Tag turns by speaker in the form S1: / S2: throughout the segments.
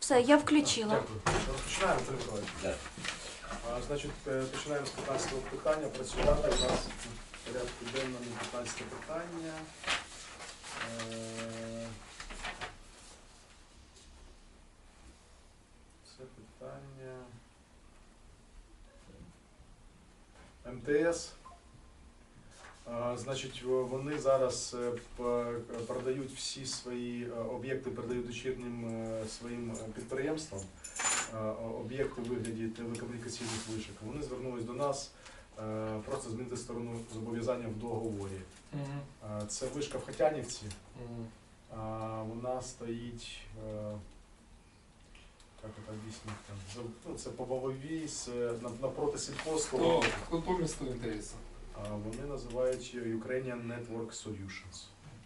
S1: Все, я включила.
S2: Дякую. Розпочинаємо, Анатолій Миколаївич.
S3: Так.
S2: Значить, починаємо з 15-го питання. Працювати у нас в порядку денному 15-те питання. Це питання МТС. Значить, вони зараз продають всі свої об'єкти, передають дочірнім своїм підприємствам, об'єкти у вигляді телекомунікаційних вишок. Вони звернулись до нас просто змінити сторону зобов'язання в договорі. Це вишка в Хотянівці. Вона стоїть, як це об'яснити, це по Вововій, напроти сільхозського.
S4: Хто по місту МТС?
S2: Вони називають Ukrainian Network Solutions.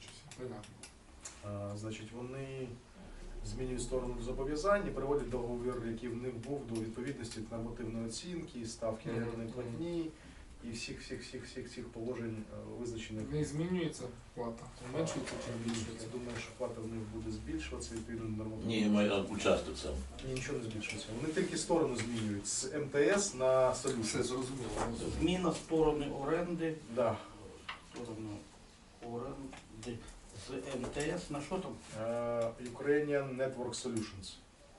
S2: Значить, вони змінюють сторону зобов'язань і приводять договір, який в них був, до відповідності нормативної оцінки, ставки орендної платні і всіх положень визначених.
S4: Не змінюється плата? Зменшується чи збільшується?
S2: Я думаю, що плата в них буде збільшуватися відповідно до нормативної.
S3: Ні, має участок сам.
S2: Ні, нічого не збільшується. Вони тільки сторону змінюють з МТС на
S4: Все
S2: Solutions.
S4: зрозуміло.
S5: Зміна сторони оренди,
S2: Да.
S5: сторони оренди з МТС на що там?
S2: Ukrainian Network Solutions.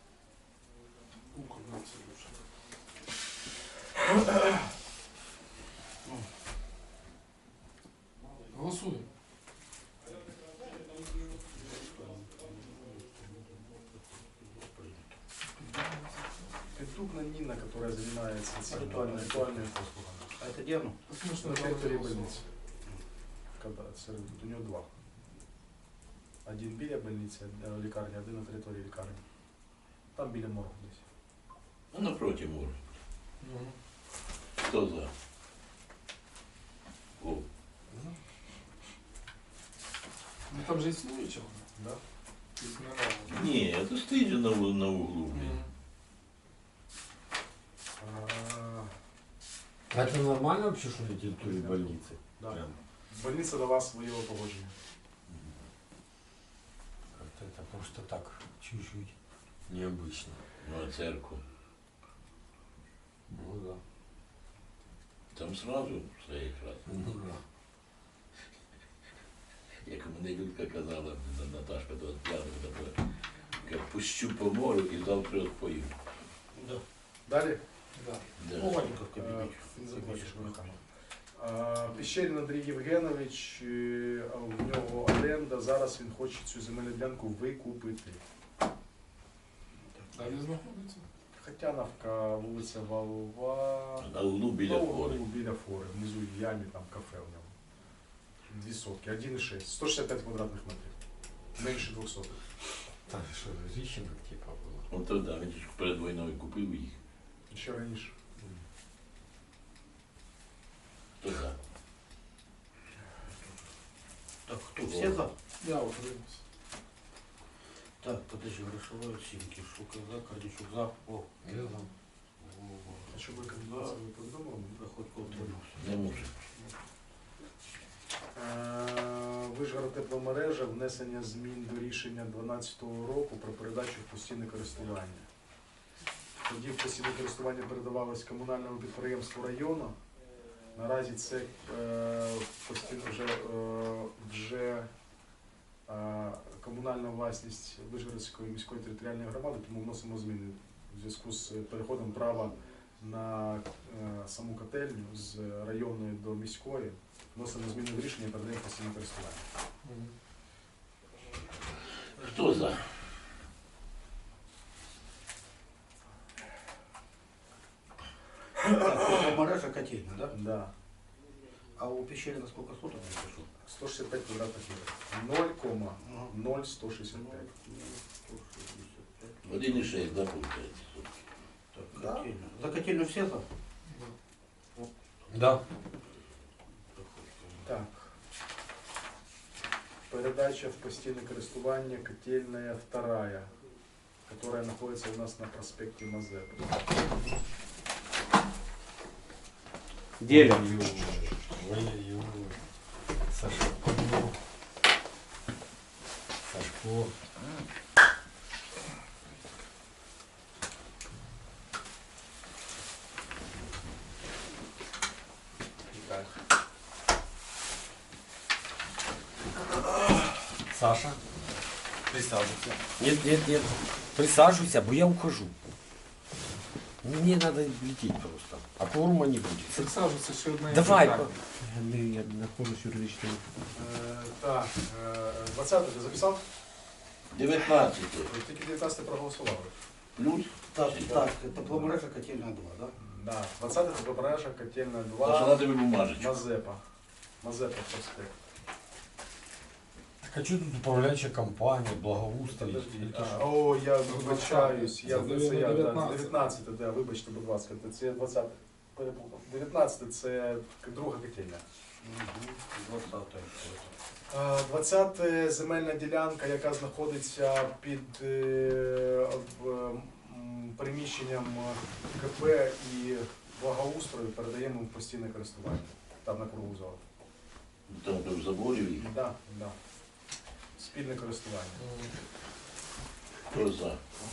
S4: Голосуємо.
S2: Піддубна Ніна, яка займається цим
S5: Ритуальними
S2: ритуальними послугами.
S5: А це де воно?
S2: На території больниці. У нього два. Один біля больниці, лікарні, один на території лікарні. Там біля моргу десь.
S3: Ну, напроти може. Хто за? О,
S4: Ну там же існуюча вона?
S2: Да?
S4: Існувала.
S3: ні, це стоїть же на углу.
S2: А,
S6: А это нормально вообще, что на территории больницы?
S2: да.
S6: Прям
S2: Больниця дала своє погодження.
S6: как-то это просто так, чуть-чуть необычно.
S3: Ну, а церкву.
S6: Ну да.
S3: Там сразу все якраз.
S6: Ну да.
S3: Як мене Людка казала, Наташка, то п'яна, пущу по морю і завтра відпою.
S5: Да.
S2: Далі?
S4: Да.
S3: Да.
S5: Маленько в кабінеті.
S2: Не забудеш, Піщерін Андрій Євгенович, в нього оренда, зараз він хоче цю земельну ділянку викупити.
S4: А де знаходиться?
S2: Хотяновка, вулиця Валова.
S3: На углу біля фори.
S2: Біля фори, внизу в ямі, там кафе у нього. 2 сотки, 1,6, 165 квадратних метрів. Менше 200.
S6: Там что, Рищенко типа было?
S3: От то да, він ж перед війною купив їх.
S2: Ще раніше.
S3: Хто за?
S5: Так, хто? Всі за?
S4: Я утримався.
S5: Так, подожди, грошової оцінки. Шука за, Корнічук за. О,
S6: Я за.
S2: А що ви рекомендації ви повідомили?
S5: Приходько утримався.
S3: Не може.
S2: Вишгород тепломережа, внесення змін до рішення 2012 року про передачу в постійне користування. Тоді в постійне користування передавалось комунальному підприємству району. Наразі це вже комунальна власність Вишгородської міської територіальної громади, тому вносимо зміни у зв'язку з переходом права на саму котельню з районної до міської. Вносимо зміни в рішення і передаємо в постійне користування.
S3: Хто за?
S5: Так, мережа котельня, да?
S2: Да.
S5: А у Пещерина сколько соток я пишу?
S2: 165 квадратних метрів. 0,0165.
S3: 1,6, да, виходить.
S5: Так,
S2: Да.
S5: котельня. За котельню все за?
S6: Да.
S2: Так. Передача в постійное користування котельная вторая, которая находится у нас на проспекте Мазепы.
S7: Деля.
S6: Ой-ой-ой. Сашко. Сашко. Саша. Присаживайся. Нет. Присаживайся, бо я ухожу. Мне надо лететь просто. А кворума не будет.
S4: Присаджуйся, ще одне
S6: Давай.
S4: питання.
S6: Я нахожусь юридичним.
S2: Так, 20 ти записав?
S3: 19
S2: Тільки 19 проголосували.
S3: плюс.
S5: Так, тепломережа котельная 2, да?
S2: Да. 20 це Побережжя, Котельна
S3: Що
S2: 2,
S3: на тебе бумажечку.
S2: Мазепа. Мазепа проспект.
S6: Так а что тут управляющая компания, благоустрой?
S2: Подожди.
S6: Это ж-
S2: О, я вибачаюсь.
S4: Це
S2: Я
S4: буде
S2: це я
S4: 19.
S2: 19, да, вибачте, будь ласка, це я 20 перепутав. 19 це друга котельня. 20 земельна ділянка, яка знаходиться під приміщенням КП і благоустрою, передаємо в постійне користування. Там на кругу зали.
S3: Там в заборі їх.
S2: Да. Спільне користування.
S3: Хто за?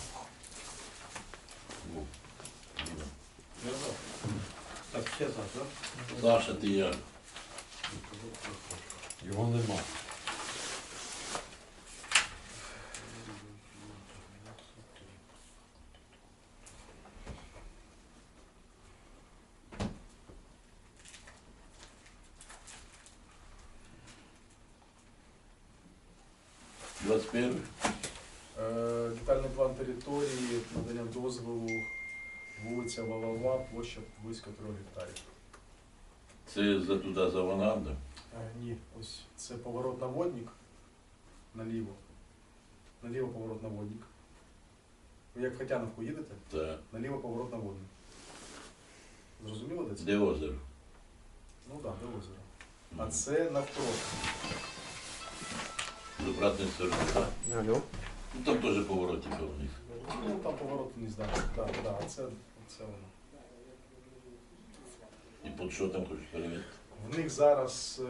S3: Во. Діма.
S5: Так, все за, да?
S3: Саша, ти як?
S6: Його нема.
S3: – 21.
S2: Детальний план території, надання дозволу, вулиця Валава, площа близько 3 гектарів.
S3: Це за туди за Ванандом.
S2: Ні, ось це поворот на водник, наліво. Наліво поворот на водник. Ви як в Хотяновку їдете,
S3: Так.
S2: наліво поворот на водник. Зрозуміло, де це?
S3: Де озеро?
S2: Ну так, де озеро. А це навпроти.
S3: З обратної сторони, так?
S6: Алло.
S3: Ну там теж повороти вниз.
S2: Ну там поворот вниз, так. Так, це воно.
S3: І під що там хочеш перевірити?
S2: В них зараз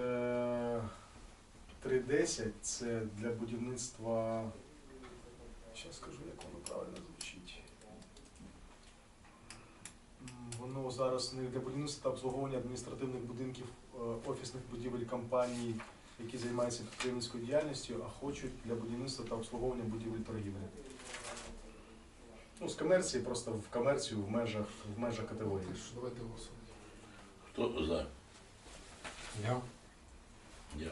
S2: 3.10, це для будівництва. Зараз скажу, як воно правильно звучить. Воно зараз не для будівництва та обслуговування адміністративних будинків, офісних будівель компаній, які займаються підприємницькою діяльністю, а хочуть для будівництва та обслуговування будівель торгівлі. Ну, з комерції, просто в комерцію в межах категорії.
S4: Що, давайте голосуємо.
S3: Хто за?
S6: Я.
S3: Я.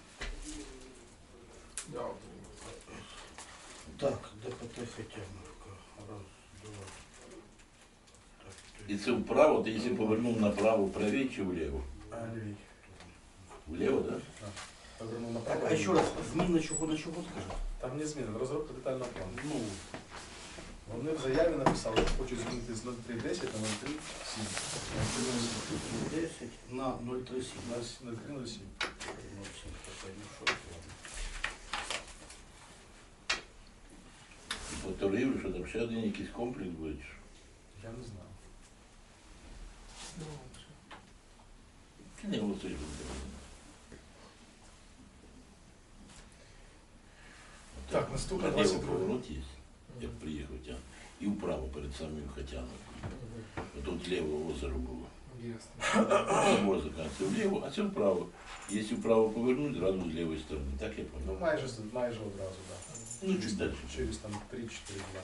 S4: Я отримав.
S5: Так, ДПТ Хотяновка. Раз, два. Так,
S3: І це вправо, ти якщо повернув направо, правій чи вліво?
S2: Лівій.
S3: Вліво, так?
S2: Повернув
S5: Так,
S2: направо.
S5: а еще раз, зміна чого на чого скажи?
S2: Там не зміна, розробка детального плану.
S5: Ну,
S2: Вони в заяві написали, що хочуть змінити з 03.10 на 03.7.
S5: 10 на 0,37.
S2: На 03.07.
S3: І по торгівлі, що там ще один якийсь комплекс буде? чи що?
S2: Я не знаю.
S3: Ти не голосуєш.
S2: Так, наступне
S3: Наліво
S2: 22.
S3: поворот є, як приїхав тя. І вправо перед самим Хотяновкою. Тут ліво озеро було.
S4: Ясно.
S3: Собор закінчиться вліво, а це вправо. Якщо вправо повернуть, зразу з лівої сторони. Так я
S2: Ну,
S3: пам'ятаю.
S2: майже одразу, так.
S3: Ну, чуть далі.
S2: Через там 3-4 дня.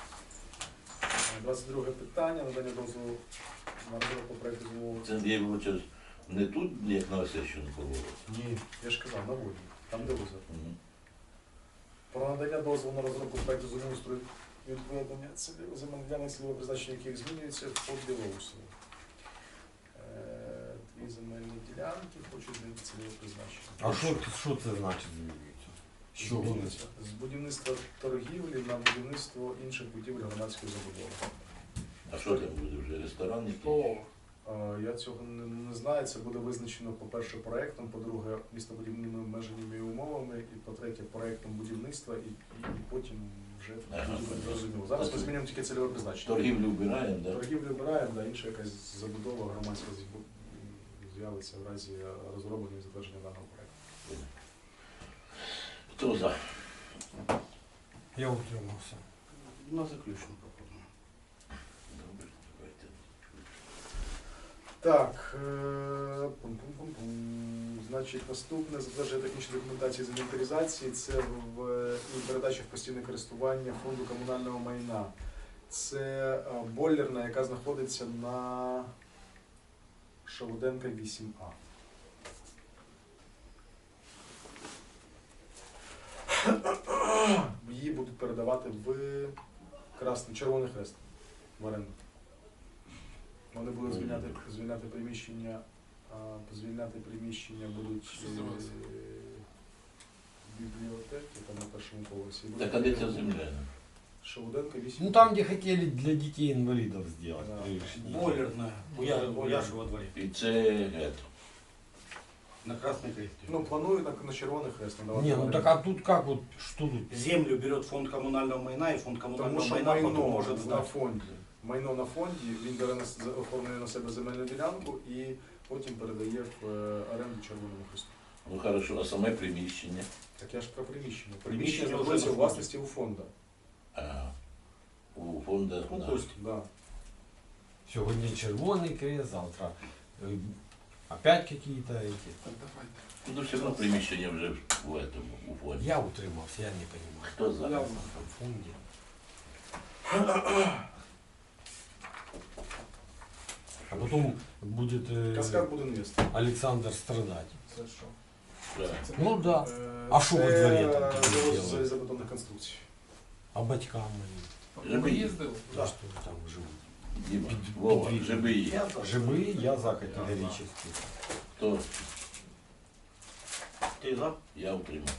S2: 22 питання, надання дозволу на розробку проєкту змови.
S3: Це я вибачаюсь, не тут, як на Осещину поворот.
S2: Ні, я ж казав, на воді, там де озеро.
S3: Мгм.
S2: Про надання дозволу на розробку проєкту землеустрою і відведення земельних ділянок, цільове призначення яких змінюється по Білоусову. Дві земельні ділянки хочуть змінити цільове призначення.
S6: А що це значить змінюється? Що вони?
S2: Змінюється з будівництва торгівлі на будівництво інших будівель громадської забудови.
S3: А що там буде вже? Ресторан якийсь?
S4: О,
S2: Я цього не знаю. Це буде визначено, по-перше, проєктом, по-друге, містобудівними обмеженнями і умовами, і по-третє, проєктом будівництва, і потім вже
S3: Ага,
S2: буде зрозуміло. Зараз ми змінюємо тільки цільове призначення.
S3: Торгівлю вбираємо, так?
S2: Торгівлю обираємо, да, інша якась забудова громадська з'явиться в разі розроблення і затвердження даного проєкту.
S3: Хто за?
S6: Я утримався.
S5: на заключну пропоную.
S3: Добре, давайте.
S2: Так, пум-пум-пум-пум. Значить, наступне затвердження технічної документації з інвентаризації, це і передача в постійне користування фонду комунального майна. Це бойлерна, яка знаходиться на Шавуденка 8А. Її будуть передавати в Червоний Хрест в оренду. Вони будуть звільняти приміщення. Звільняти приміщення будуть
S4: Що здавалося?
S2: бібліотеки, там на першому поверсі.
S3: Так, а де ця земля?
S2: Шавуденка 8.
S6: Ну там, где хотели для детей инвалидов сделать.
S2: Да.
S6: Пришли.
S5: Бойлерная. У Яши во дворе.
S3: І це гетто.
S5: На Красной Кресте.
S2: Ну, планують на Червоний Хрест надавати.
S6: Не,
S2: в
S6: ну
S2: оренду.
S6: так а тут как вот, что тут?
S5: Землю берет фонд коммунального майна, и фонд
S2: Тому
S5: коммунального
S2: що
S5: майна потом
S2: майно
S5: может
S2: на
S5: сдать.
S2: фонді. Майно на фонді, він бере оформлює на себе земельну ділянку і потім передає в оренду Червоному Хресту.
S3: Ну хорошо, а саме приміщення?
S2: Так я ж про приміщення.
S5: Приміщення
S2: Приміщення
S5: вже
S2: знаходиться у
S5: на
S2: власності у фонду.
S3: Ага. У фонда.
S5: Ну,
S3: да.
S5: пусть.
S2: Да.
S6: Сегодня червоный крест, завтра опять какие-то эти.
S4: Так, давайте.
S3: Ну все одно приміщення вже в этому, у фонді.
S6: Я утримался, я не понимаю.
S3: Хто за?
S4: Я
S6: В фонде. А потом будет
S2: Каскад буде інвестор.
S6: Александр страдать.
S4: Це що?
S3: Да.
S4: Це
S6: Ну да.
S2: Е,
S6: А що во
S2: це
S6: дворі там тоді
S2: завоз
S6: делають?
S2: залізобетонних конструкцій.
S6: А батькам они,
S3: Живий.
S4: Ви їздили?
S6: да. Что там живут?
S3: Діма,
S6: Під-
S3: Вова,
S6: підвід.
S3: живий.
S5: Я за.
S6: Живые, я за категорически.
S3: Хто?
S5: Ты за?
S3: Я утримав.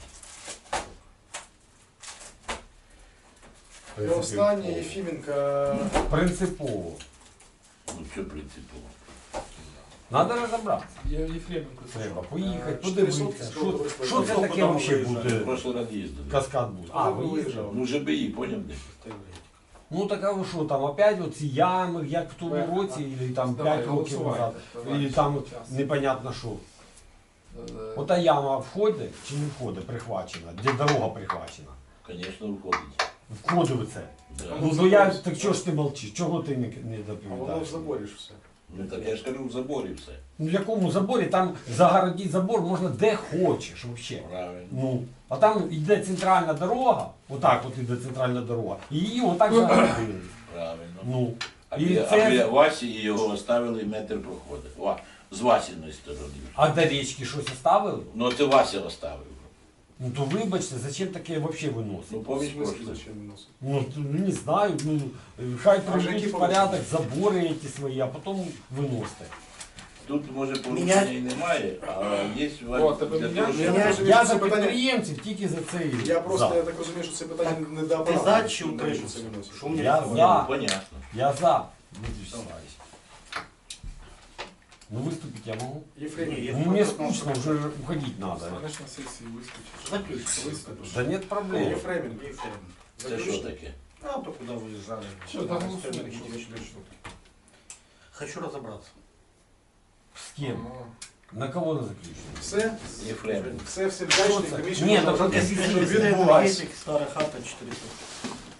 S2: І останнє Єфіменка.
S6: Принципово.
S3: Ну що принципово?
S6: Надо разобраться.
S4: Я Єфременко.
S6: Треба поїхати,
S2: 4 сотки
S6: подивитися.
S2: з того
S6: Що це таке
S5: Куди
S6: взагалі
S5: ви
S3: В
S6: буде?
S3: прошлий раз їздили.
S6: Каскад буде.
S2: А,
S6: ви
S2: ви
S6: їздили?
S3: Ну ЖБІ, поняв де?
S6: Ну так а ви що, там опять оці ями, як в тому році, і там 5 років назад, і там непонятно що. Ота яма входить чи не входить, прихвачена, де дорога прихвачена.
S3: Звісно, виходить.
S6: Входить в це.
S3: Да.
S6: Ну я, так чого ж ти мовчиш, чого ти не
S2: А воно в
S6: доповідаєш?
S2: заборі ж все.
S3: Ну так я ж кажу, в заборі все.
S6: Ну в якому заборі, там загородити забор можна де хочеш взагалі.
S3: Правильно.
S6: Ну, а там йде центральна дорога, отак от іде центральна дорога, і її отак загородили.
S3: Правильно.
S6: Ну,
S3: А
S6: і
S3: біля,
S6: це-
S3: а біля Васі і його оставили метр проходить. З Васіної сторони.
S6: а до річки щось оставили?
S3: Ну це Вася оставив.
S6: Ну то вибачте, зачем таке взагалі
S3: Ну
S6: виносити?
S2: В
S3: поміж
S2: смислі,
S3: прошлий.
S2: зачем виносити?
S6: Ну, не знаю, ну, хай
S2: А вже
S6: приведуть
S2: які
S6: в порядок забори ці свої, а потім виносите.
S3: Тут може порушення і немає, а є
S4: О, тебе
S3: для
S4: міняють?
S3: того, щоб...
S2: Міняють.
S6: Я за
S2: це питання-
S6: підприємців тільки за це і
S2: Я просто,
S6: за.
S2: я так розумію, що це питання
S5: Так,
S2: не до
S5: Ти
S2: апарату.
S5: за чи
S2: Навіщо
S5: утримався?
S2: це виносити?
S5: Що мені
S6: Я
S5: сказали?
S6: за.
S3: Понятно.
S6: Я за, Дмитрий Вячеславович. Ну выступить я могу?
S2: Єфремів.
S5: Ні,
S6: Ну мне скучно, уже уходить надо.
S4: Станеш на сесії, вискочиш.
S5: Заключишь.
S4: Виступиш.
S6: Да нет проблем.
S2: Єфремів.
S3: Це що таке?
S5: А то куда выезжали.
S4: Що, да, голосуємо, що
S5: Энергетический
S4: таке?
S5: счет. Хочу разобраться.
S6: С кем?
S4: Ага.
S6: На кого на заключение?
S2: Все?
S3: Єфремів.
S2: Все, всім
S6: Що
S2: вдячний.
S6: це?
S2: Комісію
S6: Ні,
S2: можна
S6: так
S2: розпустити,
S6: це
S2: щоб
S5: Чистая
S2: відбулась.
S5: энергетик, старая хата, 400.